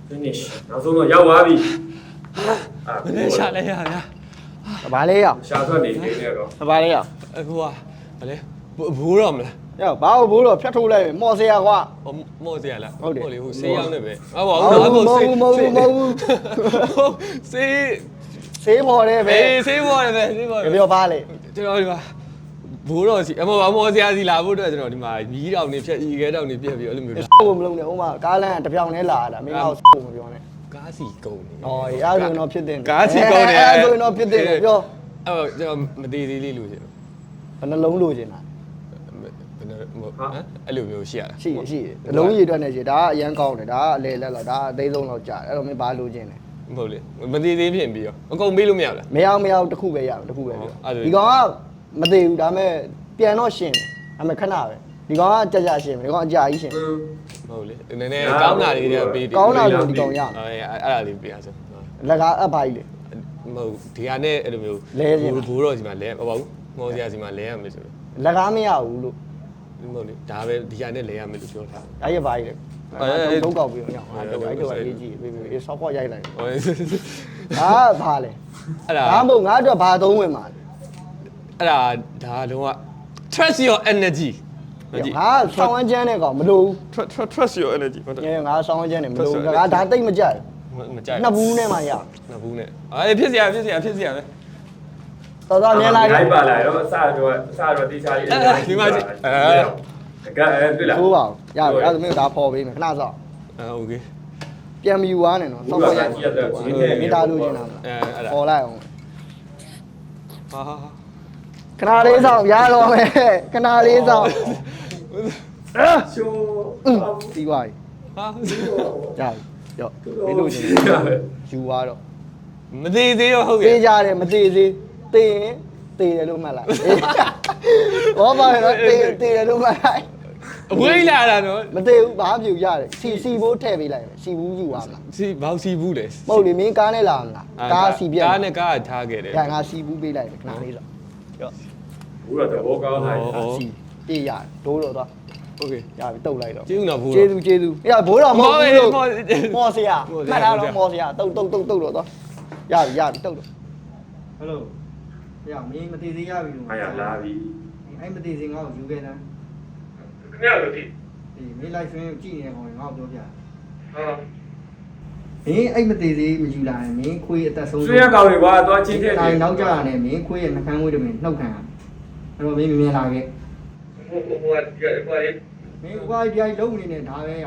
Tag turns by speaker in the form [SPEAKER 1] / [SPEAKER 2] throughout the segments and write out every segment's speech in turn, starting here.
[SPEAKER 1] finish နောက်ဆုံးတော့ရောက်သွားပြီ
[SPEAKER 2] မနေ့ရှာလဲရဗျာ
[SPEAKER 3] ဘာလဲရောက်
[SPEAKER 1] ရှာထွက်နေနေတော့
[SPEAKER 3] ဘာလဲရောက်
[SPEAKER 2] အခုကဘာလဲဘိုးတော့မလား
[SPEAKER 3] ရောက်ဘာဘိုးတော့ဖြတ်ထိုးလိုက်မော်စရာကွာ
[SPEAKER 2] မော့စရာလား
[SPEAKER 3] ဟုတ်တယ်
[SPEAKER 2] လေဟိုဆေးရောက်နေပဲဟုတ်ပါ
[SPEAKER 3] မဟုတ်ဘူးဆေး ဆေးမော်တယ်ပဲ
[SPEAKER 2] ဆေးပေါ်တယ်ပဲဆေးပေါ်တယ်
[SPEAKER 3] ပြောပါလေ
[SPEAKER 2] ကျွန်တော်ဒီမှာဘိုးတော်စီအမော်စရာစီလာဖို့အတွက်ကျွန်တော်ဒီမှာမီးတောင်နေဖြတ်ဤခဲတောင်နေပြက်ပြီးအဲ့လိုမျိုး
[SPEAKER 3] ကိုမလုံးနဲ့ဥမာကားလမ်းတပြောင်နဲ့လာတာမင်းကတော့ကိုမပြောနဲ့
[SPEAKER 2] ကားစီကုန်နေ
[SPEAKER 3] ဩအဲ့ဒါဆိုတော့ဖြစ်တဲ့
[SPEAKER 2] ကားစီကုန်နေ
[SPEAKER 3] အဲ့ဒါဆိုတော့ဖြစ်တဲ့ပြော
[SPEAKER 2] အဲ့ကျွန်တော်မသေးသေးလေးလို့ရှင်
[SPEAKER 3] ဘယ်နှလုံးလိုချင်တာ
[SPEAKER 2] ဘယ်နဲ့အဲ့လိုမျိုးရှိရတာ
[SPEAKER 3] ရှိအလုံးရည်အတွက်နဲ့ရှိဒါကအရန်ကောင်းတယ်ဒါကအလေလက်လောက်ဒါအသေးဆုံးလောက်ကြာတယ်အဲ့တော့မင်းဘာလိုချင်လဲ
[SPEAKER 2] မဟုတ်လေမသေးသေးဖြစ်ပြီးရောအကုန်ပေးလို့မရဘူးလား
[SPEAKER 3] မရောက်တခုပဲရတခုပဲပြောဒီကောင်ကမသေးဘူးဒါပေမဲ့ပြန်တော့ရှင်တယ်ဒါပေမဲ့ခဏပဲဒီကောင်ကကြာရှင်ပဲဒီကောင်အကြာကြီးရှင်
[SPEAKER 2] မဟုတ်လေနည်းနည်းကောင်းတာလေးတွေကပေးတယ်
[SPEAKER 3] ကောင်းတာလို့ဒီကောင်ရ
[SPEAKER 2] အဲ့ဒါလေးပေးရစမ်း
[SPEAKER 3] လက်ကားအပ်ပါကြီးလေ
[SPEAKER 2] မဟုတ်ဒီဟာနဲ့အဲ့လိုမျိုးဘိုးတော်စီမှာလဲမဟုတ်ဘူးမော်စရာစီမှာလဲရမယ်ဆိုတော့
[SPEAKER 3] လက်ကားမရဘူးလို့
[SPEAKER 2] မဟုတ်လေဒါပဲဒီဟာနဲ့လဲရမယ်လို့ပြောထား
[SPEAKER 3] အဲ့ရပါကြီးလေတော့ကောက်ပြီးတော့အဲ့တော့ရေးကြည့်ပြီးဆောက်ခေါ်ရိုက်လိုက်
[SPEAKER 2] ဟို
[SPEAKER 3] ဟာဘာလဲ
[SPEAKER 2] အဲ့ဒါ
[SPEAKER 3] ဘာမို့ငါအတွက်ဘာသုံးဝင်မှာလဲ
[SPEAKER 2] အဲ့ဒါတော့ trust your energy မကြည့်
[SPEAKER 3] ငါဆောင်းဝန်းချမ်းတဲ့ကောင်မလို့
[SPEAKER 2] trust your energy ဟုတ်တယ်
[SPEAKER 3] ငါဆောင်းဝန်းချမ်းနဲ့မလို့ငါဒါတိတ်မကြိုက်
[SPEAKER 2] မကြိုက်
[SPEAKER 3] နှစ်ဘူးနဲ့မှရ
[SPEAKER 2] နှစ်ဘူးနဲ့အေးဖြစ်စရာပဲ
[SPEAKER 3] တော်တော်မြင်လိုက်
[SPEAKER 1] လိုက်ပါလာတော့အစတော့တိချာကြီးကဲတွေ့လား
[SPEAKER 3] သိုးပါရပြီအဲ့ဒါမျိုးဒါပေါ်ပေးမယ်ခဏစောင့်
[SPEAKER 2] โอเค
[SPEAKER 3] ပြန်မယူသွားနဲ့နော်ဆောက်ခေါ်ရိုက်မိသားလို့ကျင်တာ
[SPEAKER 2] အဲ့ဒါ
[SPEAKER 3] ပေါ်လိုက်အောင်
[SPEAKER 2] ဟာ
[SPEAKER 3] ခဏလေးစောင့်ရတော့မယ်ခဏလေးစောင့်
[SPEAKER 1] ရှိုး
[SPEAKER 3] ပြီးသွားပြီ
[SPEAKER 2] ဟာ
[SPEAKER 3] ကြာပြီရော့မင်းတို့ကျင်ယူသွားတော့
[SPEAKER 2] မသေးသေးရောဟုတ်ကဲ့
[SPEAKER 3] သေးကြတယ်မသေးသေးသေရင်သေတယ်လို့မှတ်လိုက်ဘောပါတော့သေတယ်လို့မှတ်လိုက်
[SPEAKER 2] အဝေးလာတာနော်
[SPEAKER 3] မသေးဘူးဘာပြူရတယ်စီဘိုးထည့်ပေးလိုက်စီဘူးယူပါမလား
[SPEAKER 2] စီဘောက်စီဘူးလေ
[SPEAKER 3] မဟုတ်လေမင်းကားနဲ့လာမလားကားစီပြက်
[SPEAKER 2] ကားနဲ့ကားထားခဲ့တယ်
[SPEAKER 3] ကငါစီဘူးပေးလိုက်တယ်ခဏလေးတော့ရော့
[SPEAKER 1] ဘူးတော့ဘောကောင်းလာ
[SPEAKER 3] စီပြေးရတယ်ဒိုးတော့သွား
[SPEAKER 2] โอเค
[SPEAKER 3] ရပြီတုတ်လိုက်တော့
[SPEAKER 2] ကျေးဇူးတော်ဘူး
[SPEAKER 3] ကျေးဇူးအေးဘိုးတော်မဟုတ်ဘူးလို့မော်စရာမှတ်ထားတော့မော်စရာတုတ်တော့သွားရပြီတုတ်တော့ဟယ်လိုရမင်းမသေးသေးရပြီလို့
[SPEAKER 1] အားရလာပြီ
[SPEAKER 3] အဲ့မသေးသေးငါ့ကိုယူခဲ့တာ
[SPEAKER 1] ခင်ဗျားတို့ဒီ
[SPEAKER 3] အေးမင်း live stream ကိုကြည့်နေတဲ့ကောင်ငါ့ကိုပြောပြ
[SPEAKER 1] ဟာ
[SPEAKER 3] မင်းအဲ့မသေးသေးမယူလာရင်မင်းခွေးအသက်ဆုံး
[SPEAKER 1] ဆွေးရကောင်တွေကွာသွားချင်းတဲ့
[SPEAKER 3] တိုင်းနောက်ကြရနဲ့မင်းခွေးရဲ့နှကန်းဝေးတွေမင်းနှုတ်ခံရအဲ့တော့မင်းမြင်လာခဲ့
[SPEAKER 1] ဟိုကွာလေး
[SPEAKER 3] မင်းကွာပြိုင်လုံးနေနဲ့ဒါပဲရ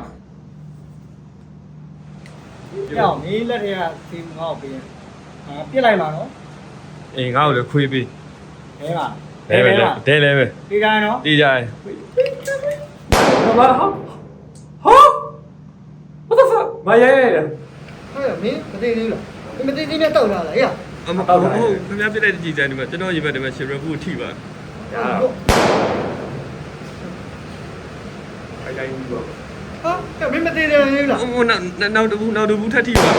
[SPEAKER 3] အောင်မင်းလက်ထက်ကဒီငါ့ကိုပေးရင်ပြစ်လိုက်ပါနော်
[SPEAKER 1] အေးငါ့ကိုလည်းခွေးပေး
[SPEAKER 3] အဲပါ
[SPEAKER 1] လဲပဲလဲပဲ
[SPEAKER 3] ဒီတိုင်းနော်
[SPEAKER 1] တီးကြတယ်ဘာဟာ what the fuck မရဲ
[SPEAKER 3] အဲ့မင်းမသေးသေးလားမသေးသေးနဲ့တောက်လာလားဟဲ့
[SPEAKER 2] အမဟုတ်ခင်ဗျားပြတဲ့ကြည်စံဒီမှာကျွန်တော်ရေဘက်ဒီမှာရှယ်ရဖူထိပါ
[SPEAKER 1] ရအဲ့တိုင်းဘူးတော့
[SPEAKER 3] ဟာမင်းမသေးသေးဘူးလား
[SPEAKER 2] ဟိုနောက်တဘူးထပ်ထိပါ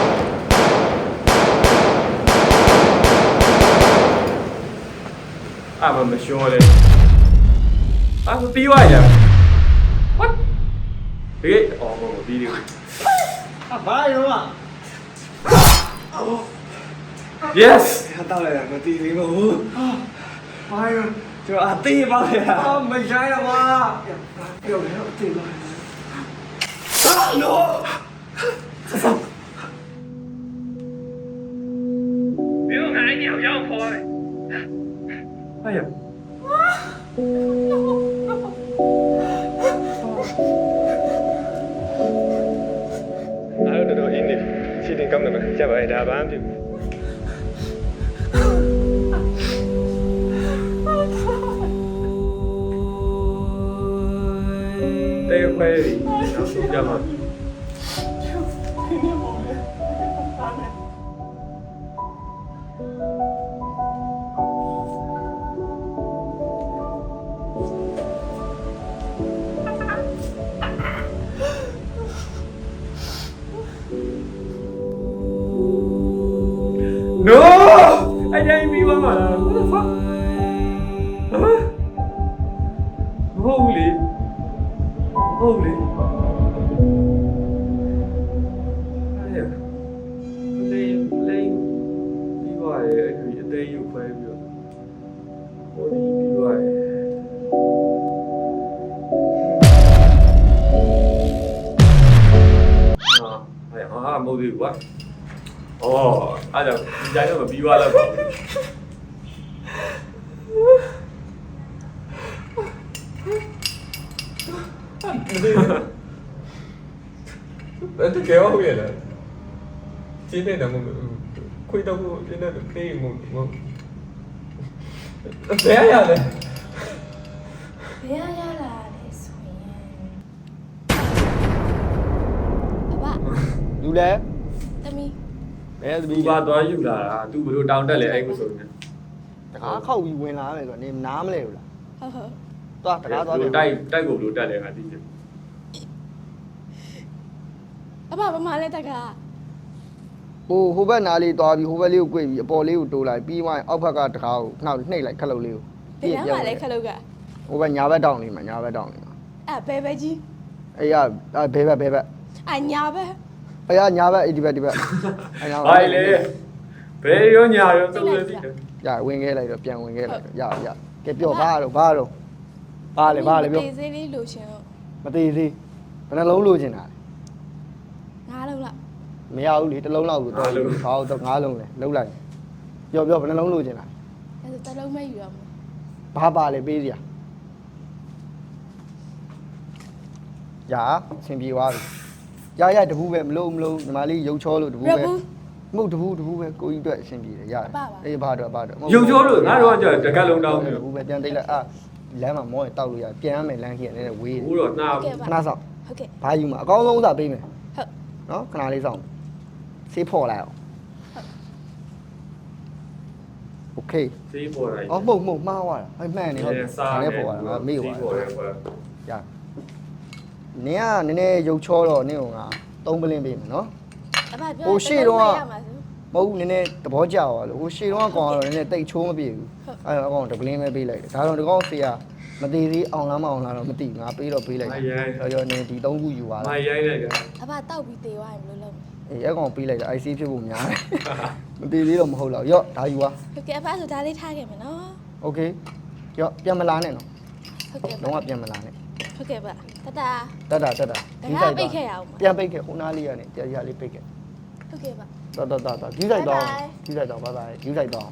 [SPEAKER 1] အာမရှောလေအာပြီးသွားရ what ဒီအော်ဘောဒီဒီ
[SPEAKER 3] ဘာရောอ่ะ
[SPEAKER 1] yes
[SPEAKER 4] 到了两个地雷了，妈呀，就地方呀，没啥呀妈，有没有地方？啊，no，
[SPEAKER 1] 不用喊你好像破了哎呀
[SPEAKER 2] အဲ့တော့အင်းနေစီတင်ကောင်းတယ်မကြပါရဲ့ဒါဘာမှမဖြစ်ဘူး
[SPEAKER 1] တဲခွဲပြီးနောက်ဆုံးကြမှာ No! I didn't mean what the fuck? Huh? Holy. Holy. တယ်ဟာမဟုတ်သေးဘူးကွာဩအဲ့ဒါဒီတိုင်းတော့မပြီးသွားတော့ပါဘူး
[SPEAKER 2] ဘယ်တကယ်ဟုတ်ရဲ့လဲကျင်းနေတာမဟုတ်ခွေတော့ကျင်းနေတဲ့ခေမဟုတ်ဘယ်ရလဲ
[SPEAKER 5] ဘယ်ရလာလဲဆိုရင်အဘ
[SPEAKER 3] လူလဲ
[SPEAKER 5] တမီ
[SPEAKER 3] ဘယ်သမီး
[SPEAKER 1] သူပါသွားယူလာတာသူဘလို့တောင်းတက်လဲအဲ့ကိုဆိုနေ
[SPEAKER 3] တကားခောက်ပြီးဝင်လာမယ်ဆိုတော့နေနားမလဲဘူးလား
[SPEAKER 5] ဟုတ်ဟုတ်
[SPEAKER 3] သွားတကားသွားပြန်
[SPEAKER 1] တိုက်ကိုဘလို့တက်လဲငါသိချင်
[SPEAKER 5] အဘဘာမှလဲတက်က
[SPEAKER 3] ဟိုဘက်နားလေးသွားပြီးဟိုဘက်လေးကို꿰ပြီးအပေါ်လေးကိုတိုးလိုက်ပြီးမှအောက်ဘက်ကတကားကိုနှောက်နှိပ်လိုက်ခက်လို့လေးကို
[SPEAKER 5] ဘယ်မှာလဲခလုတ်က
[SPEAKER 3] ဟိုဘက်ညာဘက်တောင်းလေးမှာညာဘက်တောင်းလေးမှာ
[SPEAKER 5] ဘယ်ပဲကြီး
[SPEAKER 3] အေးရဘဲဘက်
[SPEAKER 5] ညာပဲ
[SPEAKER 3] အေးရညာဘက်ဒီဘက်အဲ့နာ
[SPEAKER 1] ဘာလဲဘယ်ရောညာရောသုံးလို့သိတယ်
[SPEAKER 3] ရဝင်ခဲ့လိုက်တော့ပြန်ဝင်ခဲ့လိုက်တော့ရကဲပြောဘာတော့ဘာလဲပြော
[SPEAKER 5] တေးသေးလေးလိုချင်လို့
[SPEAKER 3] မသေးသေးဘယ်နှလုံးလိုချင်တာ
[SPEAKER 5] ငါးလုံးလား
[SPEAKER 3] မရဘူးလေတစ်လုံးလောက်ကိုတော့ဟောတော့၅လုံးလဲလုံးလိုက်ပြောဘယ်နှလုံးလိုချင်တာ
[SPEAKER 5] အဲ့ဒါတစ်လုံးမယူရဘူး
[SPEAKER 3] ဘာပါလဲပေးစရာရအဆင်ပြေသွားပြီရတပူးပဲမလို့ညီမလေးရုပ်ချောလို့တပူးပဲမဟုတ်တပူးပဲကိုကြီးအတွက်အဆင်ပြေတယ်ရတယ်အေးဘာတော့
[SPEAKER 1] ရုပ်ချိုးလို့ငါတို့ကကြာတကက်လုံးတောင်းပြီ
[SPEAKER 3] တပူးပဲပြန်တိတ်လိုက်လမ်းမှာမောရင်တောက်လို့ရပြန်ရမယ်လမ်းကြီးကလည်းဝေးတယ်
[SPEAKER 1] ဘူးတော့နှာ
[SPEAKER 3] ခဏဆောင်
[SPEAKER 5] ဟုတ်ကဲ့
[SPEAKER 3] ဘာယူမှာအကောင်းဆုံးဥစားပေးမယ်
[SPEAKER 5] ဟုတ်
[SPEAKER 3] နော်ခဏလေးဆောင်ဆေးဖော်လိုက်အောင်โอเค
[SPEAKER 1] စေးပေါ်တာ
[SPEAKER 3] အော်မှုတ်မှားသွားတာအဲ့မှန်နေဟုတ်တယ်ဒါလည်းပေါ်သွားတာမေ့သွား
[SPEAKER 1] ပေါ်တယ်ကွာ
[SPEAKER 3] ရနင်ကနည်းနည်းရုပ်ချောတော့နင့်ကငါ3ပလင်းပေးမယ်နော်
[SPEAKER 5] အဘပြော
[SPEAKER 3] ဟိုရှေ့တော့
[SPEAKER 5] ရမှာဆို
[SPEAKER 3] မဟုတ်ဘူးနည်းနည်းသဘောကျသွားလို့ဟိုရှေ့တော့ကောင်ကတော့နည်းနည်းတိတ်ချိုးမပြေဘူးအဲ့တော့အကောင်တပလင်းပဲပေးလိုက်တယ်ဒါတော့ဒီကောင်ဖေးကမသေးသေးအောင်လားမအောင်လားတော့မသိဘူးငါပေးတော့ပေးလိုက်တယ်ရောနည်းဒီ3ခုယူပါ
[SPEAKER 1] မ
[SPEAKER 3] လား
[SPEAKER 1] ရိုင်းလိုက်ကြ
[SPEAKER 5] အဘတောက်ပြီးတေးသွားရင်ဘယ်လိုလုပ်မလဲ
[SPEAKER 3] အေးအဲ့ကောင်ပေးလိုက်တာ IC ဖြစ်ဖို့များတယ်မသေးသေးတော့မဟုတ်တော့ရော့ဒါယူပါ
[SPEAKER 5] ဟုတ်ကဲ့အဘဆိုဒါလေးထားခဲ့မယ်နော်
[SPEAKER 3] โอเคရော့ပြန်မလာနဲ့နော်
[SPEAKER 5] ဟုတ်ကဲ့
[SPEAKER 3] လုံးဝပြန်မလာနဲ့
[SPEAKER 5] ဟုတ်ကဲ့ဗျတတ
[SPEAKER 3] တက်တာ
[SPEAKER 5] ဒါကပိတ်ခဲ့ရအောင်ပါ
[SPEAKER 3] ပြန်ပိတ်ခဲ့ဟိုနားလေးကနေတရားလေးပိတ်ခဲ့
[SPEAKER 5] ဟုတ်ကဲ့ဗျ
[SPEAKER 3] တော်ယူဆိုင်တော့ယူဆိုင်တော့ဘိုင်ဘိုင်ယူဆိုင်တော့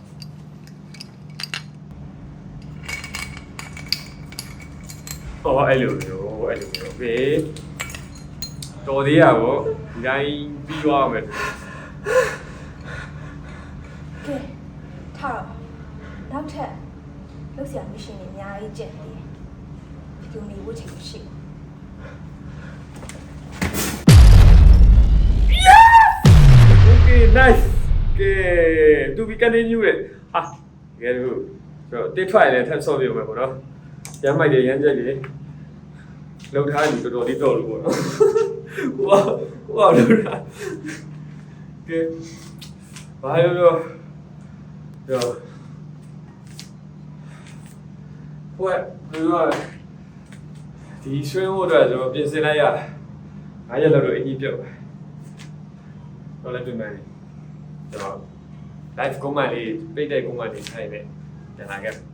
[SPEAKER 1] ဟောအဲ့လိုမျိုးโอเคတော်သေးရပေါ့ဒီတိုင်းပြီးသွားမယ်
[SPEAKER 5] ကဲထားတော့နောက်ထပ်လုပ်စရာမရှင်နေအများကြီးကျန်သေးတယ်ဒီလိုနေဝတ်ချင်ရှိ
[SPEAKER 1] Okay, nice. Okay, to be continue လေဟာကဲလို့ဆိုတော့တစ်ထွက်လည်းထပ်ဆော့ပြမယ်ပေါ့နော်ရမ်းမိုက်တယ်ရမ်းကြက်တယ်လောက်ထားပြီတော်တော်လေးတော့လို့ပေါ့နော်ဟိုလောက်တာကဲဘာလို့ရောဟိုကဒီဆွေးဖို့အတွက်ကျွန်တော်ပြင်ဆင်လိုက်ရ9ရက်လောက်တော့အကြီးပြုတ်တော့လည်းပြင်မယ်ကျွန်တော် live command လေးပိတ်တဲ့ command လေးထိုင်နေပြန်လာခဲ့